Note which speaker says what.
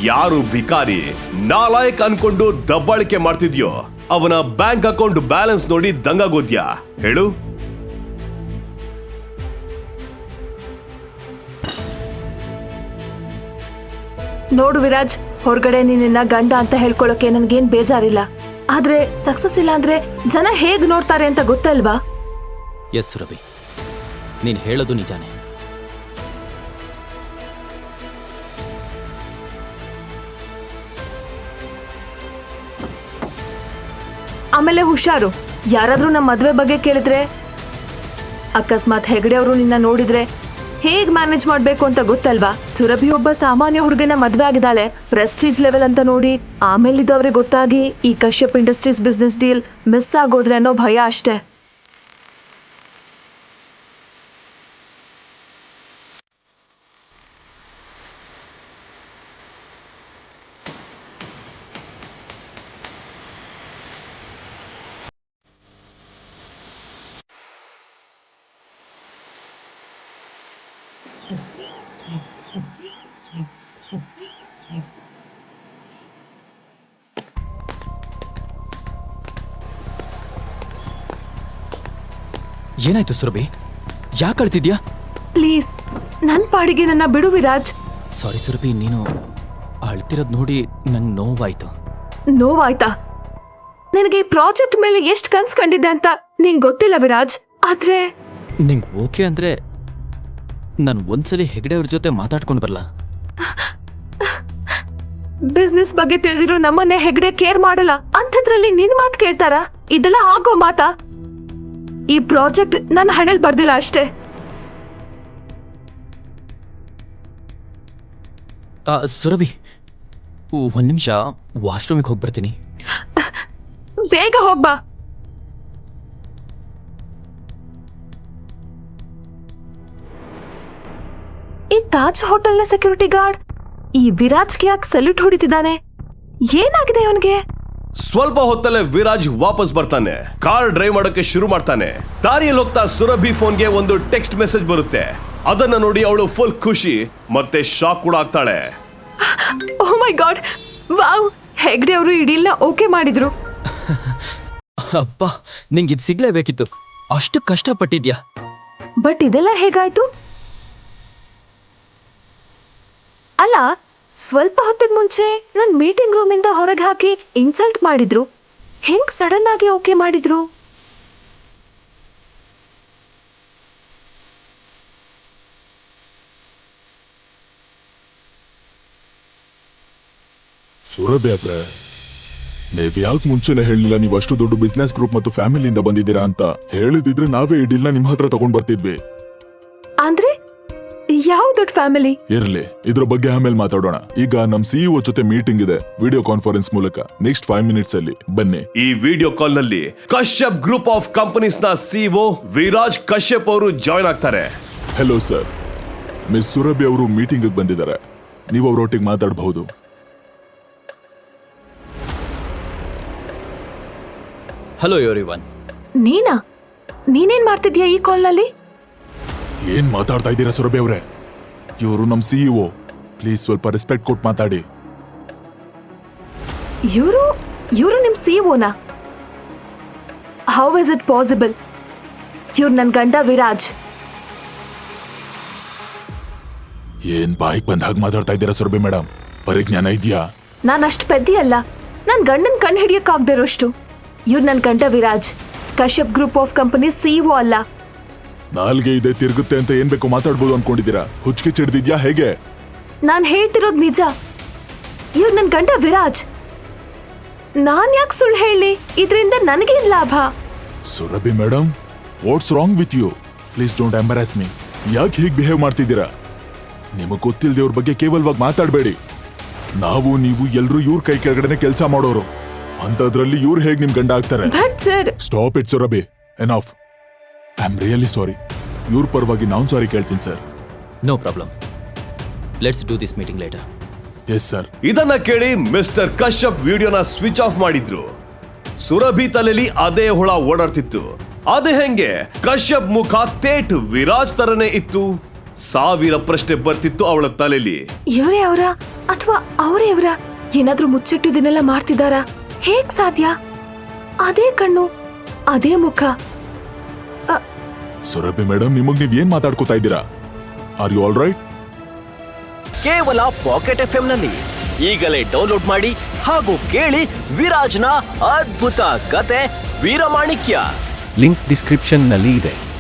Speaker 1: ಯಾರು ಭಿಕಾರಿ ನಾಲಾಯಕ್ ಅನ್ಕೊಂಡು ದಬ್ಬಾಳಿಕೆ ಮಾಡ್ತಿದ್ಯೋ ಅವನ ಬ್ಯಾಂಕ್ ಅಕೌಂಟ್ ಬ್ಯಾಲೆನ್ಸ್ ನೋಡಿ ದಂಗಾಗೋದ್ಯಾ ಹೇಳು.
Speaker 2: ನೋಡು ವಿರಾಜ್, ಹೊರಗಡೆ ನಿನ್ನ ಗಂಡ ಅಂತ ಹೇಳ್ಕೊಳಕ್ಕೆ ನನ್ಗೇನ್ ಬೇಜಾರಿಲ್ಲ. ಆದ್ರೆ ಸಕ್ಸಸ್ ಇಲ್ಲ ಅಂದ್ರೆ ಜನ ಹೇಗ್ ನೋಡ್ತಾರೆ ಅಂತ ಗೊತ್ತಲ್ವಾ?
Speaker 3: ಎಸ್ ಸುರಭಿ, ನೀನ್ ಹೇಳೋದು ನಿಜಾನೇ.
Speaker 2: ಆಮೇಲೆ ಹುಷಾರು, ಯಾರಾದ್ರೂ ನಮ್ಮ ಮದ್ವೆ ಬಗ್ಗೆ ಕೇಳಿದ್ರೆ, ಅಕಸ್ಮಾತ್ ಹೆಗಡೆ ಅವರು ನಿನ್ನ ನೋಡಿದ್ರೆ ಹೇಗ್ ಮ್ಯಾನೇಜ್ ಮಾಡ್ಬೇಕು ಅಂತ ಗೊತ್ತಲ್ವಾ? ಸುರಭಿ ಒಬ್ಬ ಸಾಮಾನ್ಯ ಹುಡುಗನ ಮದ್ವೆ ಆಗಿದ್ದಾಳೆ, ಪ್ರೆಸ್ಟೀಜ್ ಲೆವೆಲ್ ಅಂತ ನೋಡಿ. ಆಮೇಲೆ ಇದು ಅವ್ರಿಗೆ ಗೊತ್ತಾಗಿ ಈ Kashyap Industries business deal miss ಆಗೋದ್ರೆ ಅನ್ನೋ ಭಯ ಅಷ್ಟೇ.
Speaker 3: ಏನಾಯ್ತು ಸುರಭಿ? ಯಾಕೆ ಅಳ್ತಿದ್ಯಾ?
Speaker 2: ಪ್ಲೀಸ್ ನನ್ ಪಾಡಿಗೆ ನನ್ನ ಬಿಡು ವಿರಾಜ್.
Speaker 3: ಸಾರಿ ಸುರಭಿ, ನೀನು ಅಳ್ತಿರೋದ್ ನೋಡಿ ನಂಗೆ ನೋವಾಯ್ತು.
Speaker 2: ನೋವಾಯ್ತಾ? ನನಗೆ ಈ ಪ್ರಾಜೆಕ್ಟ್ ಮೇಲೆ ಎಷ್ಟು ಕನ್ಸ್ ಕಂಡಿದ್ದೆ ಅಂತ ನಿಂಗೆ ಗೊತ್ತಿಲ್ಲ ವಿರಾಜ್. ಆದ್ರೆ
Speaker 3: ನಿಂಗೆ ಓಕೆ ಅಂದ್ರೆ ನಾನು ಒಂದ್ಸಲಿ ಹೆಗಡೆ ಅವ್ರ ಜೊತೆ ಮಾತಾಡ್ಕೊಂಡು ಬರಲ್ಲ.
Speaker 2: ಬಿಸ್ನೆಸ್ ಬಗ್ಗೆ ತಿಳಿದಿರೋ ನಮ್ಮನ್ನೇ ಹೆಗಡೆ ಕೇರ್ ಮಾಡಲ್ಲ ಅಂಥದ್ರಲ್ಲಿ ನಿನ್ ಮಾತು ಕೇಳ್ತಾರ? ಇದೆಲ್ಲ ಆಗೋ ಮಾತಾ? ಈ ಪ್ರಾಜೆಕ್ಟ್ ನನ್ನ ಹಣೆಲ್ ಬರ್ದಿಲ್ಲ ಅಷ್ಟೇ.
Speaker 3: ಸುರಭಿ, ಒಂದ್ ನಿಮಿಷ ವಾಶ್ರೂಮಿಗೆ ಹೋಗಿ ಬರ್ತೀನಿ.
Speaker 2: ಬೇಗ ಹೋಗ್ಬಾ. ಈ ತಾಜ್ ಹೋಟೆಲ್ನ ಸೆಕ್ಯೂರಿಟಿ ಗಾರ್ಡ್ ಈ ವಿರಾಜ್ಗೆ ಯಾಕೆ ಸಲ್ಯೂಟ್ ಹೊಡಿತಿದ್ದಾನೆ? ಏನಾಗಿದೆ ಅವನಿಗೆ?
Speaker 1: ಸ್ವಲ್ಪ ಹೊತ್ತಲ್ಲೇ ವಿರಾಜ್ ವಾಪಸ್ ಬರ್ತಾನೆ. ಕಾರ್ ಡ್ರೈವ್ ಮಾಡೋಕೆ ಶುರು ಮಾಡ್ತಾನೆ. ದಾರಿಯಲ್ಲಿ ಹೋಗ್ತಾ ಸುರಭಿ ಫೋನ್ಗೆ ಒಂದು ಟೆಕ್ಸ್ಟ್ ಮೆಸೇಜ್ ಬರುತ್ತೆ. ಅದನ್ನ ನೋಡಿ ಅವಳು ಫುಲ್ ಖುಷಿ ಮತ್ತೆ ಶಾಕ್ ಕೂಡ ಆಗ್ತಾಳೆ.
Speaker 2: Oh my god, wow, Hegde ಅವರು ಈ ಡೀಲ್ನ ಓಕೆ ಮಾಡಿದ್ರು.
Speaker 3: ಅಪ್ಪ, ನಿಂಗೆ ಇದು ಸಿಗ್ಲೇಬೇಕಿತ್ತು, ಅಷ್ಟು ಕಷ್ಟಪಟ್ಟಿದ್ಯಾ.
Speaker 2: ಬಟ್ ಇದೆಲ್ಲ ಹೇಗಾಯ್ತು? ಅಲ್ಲ, ಸ್ವಲ್ಪ ಹೊತ್ತಿಗೆ ಮುಂಚೆ ನನ್ ಮೀಟಿಂಗ್ ರೂಮ್ ಇಂದ ಹೊರಗೆ ಹಾಕಿ ಇನ್ಸಲ್ಟ್ ಮಾಡಿದ್ರು. ಹೆಂಗ್ ಸಡನ್ ಆಗಿ ಓಕೆ ಮಾಡಿದ್ರು?
Speaker 4: ಸುರಭಿ ಅವ್ರೆ, ನೀವ್ ಯಾಕೆ ಮುಂಚೆನೆ ಹೇಳಿಲ್ಲ ನೀವು ಅಷ್ಟು ದೊಡ್ಡ ಬಿಸ್ನೆಸ್ ಗ್ರೂಪ್ ಮತ್ತು ಫ್ಯಾಮಿಲಿಯಿಂದ ಬಂದಿದ್ದೀರಾ ಅಂತ? ಹೇಳಿದಿದ್ರೆ ನಾವೇ ಈ ಡೀಲ್ನ ನಿಮ್ ಹತ್ರ ತಗೊಂಡ್ ಬರ್ತಿದ್ವಿ.
Speaker 2: ಅಂದ್ರೆ ಯಾವ ದೊಡ್ಡ ಫ್ಯಾಮಿಲಿ?
Speaker 4: ಇರ್ಲಿ, ಇದ್ರ ಬಗ್ಗೆ ಆಮೇಲೆ ಮಾತಾಡೋಣ. ಈಗ ನಮ್ ಸಿಇಒ ಜೊತೆ ಮೀಟಿಂಗ್ ಇದೆ ವಿಡಿಯೋ ಕಾನ್ಫರೆನ್ಸ್ ಮೂಲಕ. ನೆಕ್ಸ್ಟ್ 5 minutes ಅಲ್ಲಿ ಬನ್ನಿ.
Speaker 1: ಈ ವಿಡಿಯೋ ಕಾಲ್ ನಲ್ಲಿ ಕಶ್ಯಪ್ ಗ್ರೂಪ್ ಆಫ್ ಕಂಪನೀಸ್ ನ ಸಿಇಒ ವಿರಾಜ್ ಕಶ್ಯಪ್ ಅವರು ಜಾಯ್ನ್ ಆಗ್ತಾರೆ.
Speaker 4: ಹೆಲೋ ಸರ್, ಮಿಸ್ ಸುರಭಿ ಅವರು ಮೀಟಿಂಗ್ ಬಂದಿದ್ದಾರೆ. ನೀವು ಅವರೊಟ್ಟಿಗೆ ಮಾತಾಡಬಹುದು.
Speaker 3: Hello everyone.
Speaker 2: ನೀನೇನ್ ಮಾಡ್ತಿದ್ಯಾ ಈ ಕಾಲ್ ನಲ್ಲಿ?
Speaker 4: ಏನ್ ಮಾತಾಡ್ತಾ ಇದ್ದೀರಾ ಸುರಭಿ ಅವರೇ? ಇವರು ನಮ್ ಸಿಇಒ, ಪ್ಲೀಸ್ ಸ್ವಲ್ಪ ರೆಸ್ಪೆಕ್ಟ್ ಕೊಟ್ಟು ಮಾತಾಡಿ.
Speaker 2: ಇವರು ನಿಮ್ ಸಿಇಒನಾ? How is it possible? ಇವ್ರು ನನ್ ಗಂಡ ವಿರಾಜ್.
Speaker 4: ಏನ್ ಬಾಯಿಗೆ ಬಂದ ಹಾಗೆ ಮಾತಾಡ್ತಾ ಇದ್ದೀರಾ ಸುರಭಿ ಮೇಡಮ್? ಪರಿಜ್ಞಾನ ಇದೆಯಾ?
Speaker 2: ನಾನ್ ಅಷ್ಟು ಪೆದ್ದಿ ಅಲ್ಲ, ನನ್ ಗಂಡನ್ ಕಣ್ ಹಿಡಿಯಕ್ಕಾಗ್ದೇ ಇರೋಷ್ಟು. ಇವ್ರು ನನ್ ಗಂಡ Viraj, Kashyap group of company CEO ಅಲ್ಲ.
Speaker 4: ನಾಲ್ಗೆ ಇದೆ ತಿರುಗುತ್ತೆ ಅಂತ ಏನ್ ಬೇಕು ಮಾತಾಡ್ಬೋದು ಅನ್ಕೊಂಡಿದ್ದೀರಾ? ಹುಚ್ಚಿಗೆ ಚಿಡ್ದಿದ್ಯಾ ಹೇಗೆ?
Speaker 2: ನಾನ್ ಹೇಳ್ತಿರೋದ್ ನಿಜ. ಇವ್ರು ನನ್ ಗಂಡ ವಿರಾಜ್. ನಾನ್ ಯಾಕೆ ಸುಳ್ಳು ಹೇಳಿ? ಇದರಿಂದ ನನಗೇನ್ ಲಾಭ?
Speaker 4: Surabhi madam, what's wrong with you? Please don't embarrass me. ಯಾಕೆ ಹೀಗೆ ಬಿಹೇವ್ ಮಾಡ್ತಿದ್ದೀರಾ? ನಿಮಗ್ ಗೊತ್ತಿಲ್ಲದೆ ಅವ್ರ ಬಗ್ಗೆ ಕೇವಲವಾಗಿ ಮಾತಾಡಬೇಡಿ. ನಾವು ನೀವು ಎಲ್ರು ಇವ್ರ ಕೈ ಕೆಳಗಡೆನೆ ಕೆಲಸ ಮಾಡೋರು, ಅಂತದ್ರಲ್ಲಿ ಇವ್ರು ಹೇಗೆ ನಿಮ್ ಗಂಡ ಆಗ್ತಾರೆ? Stop it Surabhi, enough. I am really sorry. ಇವ್ರ ಪರವಾಗಿ ನಾನು ಸಾರಿ ಕೇಳ್ತೀನಿ sir.
Speaker 3: No problem, let's do this meeting later.
Speaker 4: Yes sir.
Speaker 1: ಇದನ್ನ ಕೇಳಿ ಮಿಸ್ಟರ್ ಕಶ್ಯಪ್ ವಿಡಿಯೋನ ಸ್ವಿಚ್ ಆಫ್ ಮಾಡಿದ್ರು. ಸುರಭಿ ತಲೆಯಲ್ಲಿ ಅದೇ ಹುಳ ಓಡಾಡ್ತಿತ್ತು. ಅದೇ ಹೆಂಗೆ ಕಶ್ಯಪ್ ಮುಖ ತೇಟ್ ವಿರಾಜ್ ತರನೇ ಇತ್ತು. ಸಾವಿರ ಪ್ರಶ್ನೆ ಬರ್ತಿತ್ತು ಅವಳ ತಲೆಯಲ್ಲಿ.
Speaker 2: ಇವರೇ ಅವರ ಅಥವಾ ಅವರೇ ಇವರ? ಏನಾದ್ರೂ ಮುಚ್ಚಿಟ್ಟಿದ್ದನ್ನೆಲ್ಲ ಮಾಡ್ತಿದಾರಾ? ಹೇಗ್ ಸಾಧ್ಯ? ಅದೇ ಕಣ್ಣು, ಅದೇ ಮುಖ.
Speaker 4: ಸುರಭಿ ಮೇಡಮ್, ನಿಮಗ್ ನೀವ್ ಏನ್ ಮಾತಾಡ್ಕೋತಾ ಇದ್ದೀರಾ? Are you all right?
Speaker 5: ಕೇವಲ ಪಾಕೆಟ್ FM ನಲ್ಲಿ ಈಗಲೇ ಡೌನ್ಲೋಡ್ ಮಾಡಿ ಹಾಗೂ ಕೇಳಿ ವಿರಾಜ್ನ ಅದ್ಭುತ ಕತೆ ವೀರಮಾಣಿಕ್ಯ.
Speaker 6: ಲಿಂಕ್ ಡಿಸ್ಕ್ರಿಪ್ಷನ್ನಲ್ಲಿ ಇದೆ.